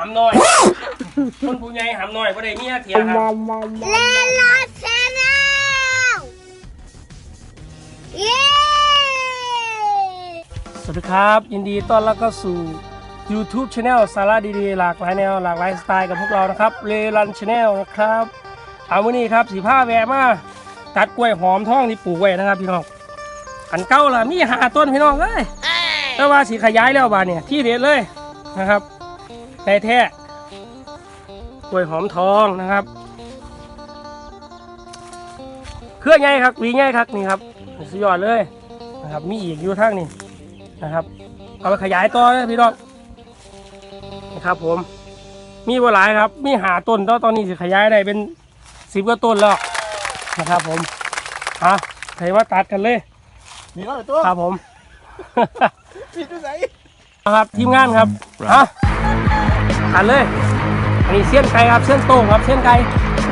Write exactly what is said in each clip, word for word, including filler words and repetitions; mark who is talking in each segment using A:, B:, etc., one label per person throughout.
A: ำน้อยคนผู้ใหญ่หำน้อยก็ได้เมียเถียครับ
B: เลลาชแนลเย้
A: สวัสดีครับยินดีต้อนรับเข้าสู่ YouTube Channel สาระดีๆหลากหลายแนวหลากหลายสไตล์กับพวกเรานะครับเลรัน Channel นะครับเอาวันนี้ครับสีผ้าแวะมาตัดกล้วยหอมท้องที่ปลูกไว้นะครับพี่น้องอันเก่าล่ะมีหาต้นพี่น้องเอ้ยแต่ว่าสีขยายแล้วบาเนี่ยที่เด็ดเลยนะครับได้แท้กล้วยหอมทองนะครับเครื่องไงครับวีไงครับนี่ครับสุดยอดเลยนะครับมีอีกอยู่ทั้งนี่นะครับเอาไปขยายต่อเลยพี่น้องนะครับผมมีบัวหลายครับมีหาต้นตอนตอนนี้สิขยายได้เป็นสิบกว่าต้นแล้วนะครับผมอ่ะใครว่าตัดกันเลย
C: มีร้อยตัว
A: ครับผม
C: มีตัวไหน
A: ครับทีมงานครับฮะตัดเลยอันนี้เส้นไก่ครับเส้นโต้งครับเส้นไก่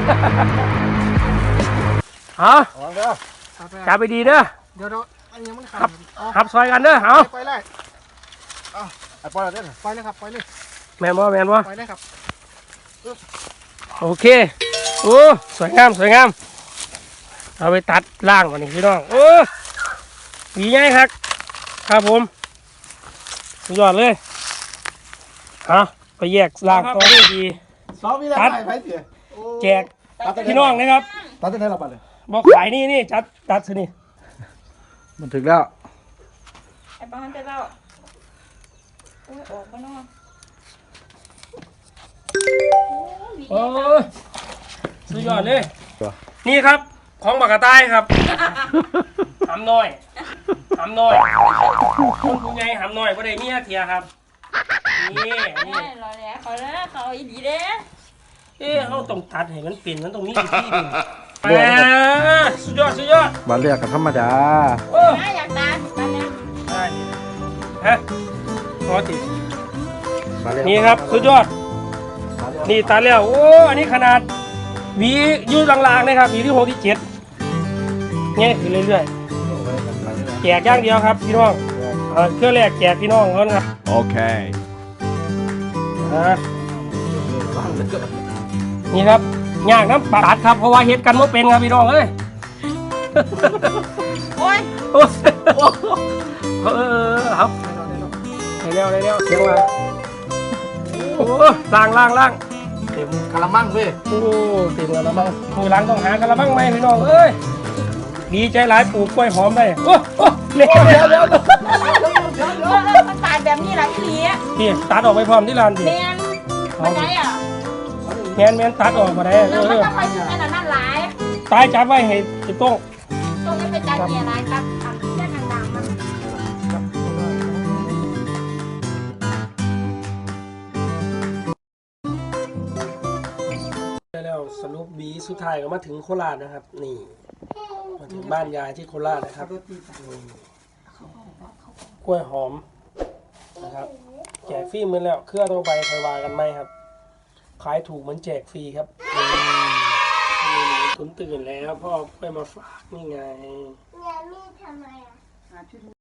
A: ฮะจับไปดีเด้อ
C: เดี๋ยวเราอันนี้มัน
A: ขับขับซอยกันเด้อเอา
C: ไปเลยเอาไปเลยเด้อไปเลยครับไปเลย
A: แมนบ่แมนบ่
C: ไปเลยครับ
A: โอเคโอ้สวยงามสวยงามเอาไปตัดล่างวันนี้พี่น้องโอ้ดีง่ายครับครับผมสุดยอดเลยฮะไปแยกล่างตัวนี้ดี
C: ตัด
A: แจกพี่น้องนะครับ
C: ตัดได้เราไปเลย
A: บอกขายนี่นี่จัดตัดสินี่
C: มันถึงแล้ว
B: ไอ้ป้ามันจะเล่าโอ้ยออกมาเนาะ
A: โอ้สุดยอดเลยนี่ครับของบักกะต้ายครับหำน้อยหำน้อยคนผู้ใหญ่หำน้อยก็ได้เมียเถียครับนี่นี่
B: รอแล้วเขาแล้วเขาอีดีเด้
A: เอ๊ะเขาต้องตัดให้มันเป็นมันต้องมีวิธีดึงแหมสุดยอดสุดยอด
C: มาเรียกกันธรรมดา
A: โอ้
B: อยากตามตามเนี่ย
A: ได้ฮะพอตินี่ครับสุดยอดนี่ตัดแล้วโอ้อันนี้ขนาดวียืดลางๆนะครับวีที่หกที่เจ็ดเนี่ยคือเรื่อยๆแจกย่างเดียวครับพี่น้องเครื่องแรกแจกพี่น้องเขาครับ
C: โอเค
A: นี่ครับย่างน้ำปลาครับเพราะว่าเฮ็ดกันไม่เป็นครับพี่น้องเอ้ย
B: โอ้ย
A: เออครับเร็วเร็วเสียงมาโอ้ล่างล่างล่าง
C: เต็มกะละมังเว้ย
A: โอ้เต็มกะละมังมือหลังต้องหากะละมังไหมพี่น้องเอ้ยดีใจหลายปลูกกล้วยหอมได้โอ้โอ้เร็วเร็วเร็ว
B: มันตัดแบบนี้หลายทีอ่ะ
A: พี่ตัดออกไปพร้อมที่ร้านดิ
B: แมนมันได้อ่ะ
A: แมนแมนตัดออกมาได้
B: เออมันต้องไปถึงขนาดนั้นหลาย
A: ตายจับไว้ให้ติดต้อง
B: ต้องไม่ไปจัดเกียร์หลายครับทำแค่ต่างๆมัน
A: แล้วสรุปบีสุดท้ายก็มาถึงโคราชนะครับนี่มาถึงบ้านยายที่โคราชนะครับกล้วยหอมนะครับแจกฟรีเหมือนแล้วเครื่องต้องไปคอยวากันไหมครับขายถูกเหมือนแจกฟรีครับนี่คุณตื่นแล้วพ่อไปมาฝากนี่ไง
B: ยายมีทำไมอ่ะ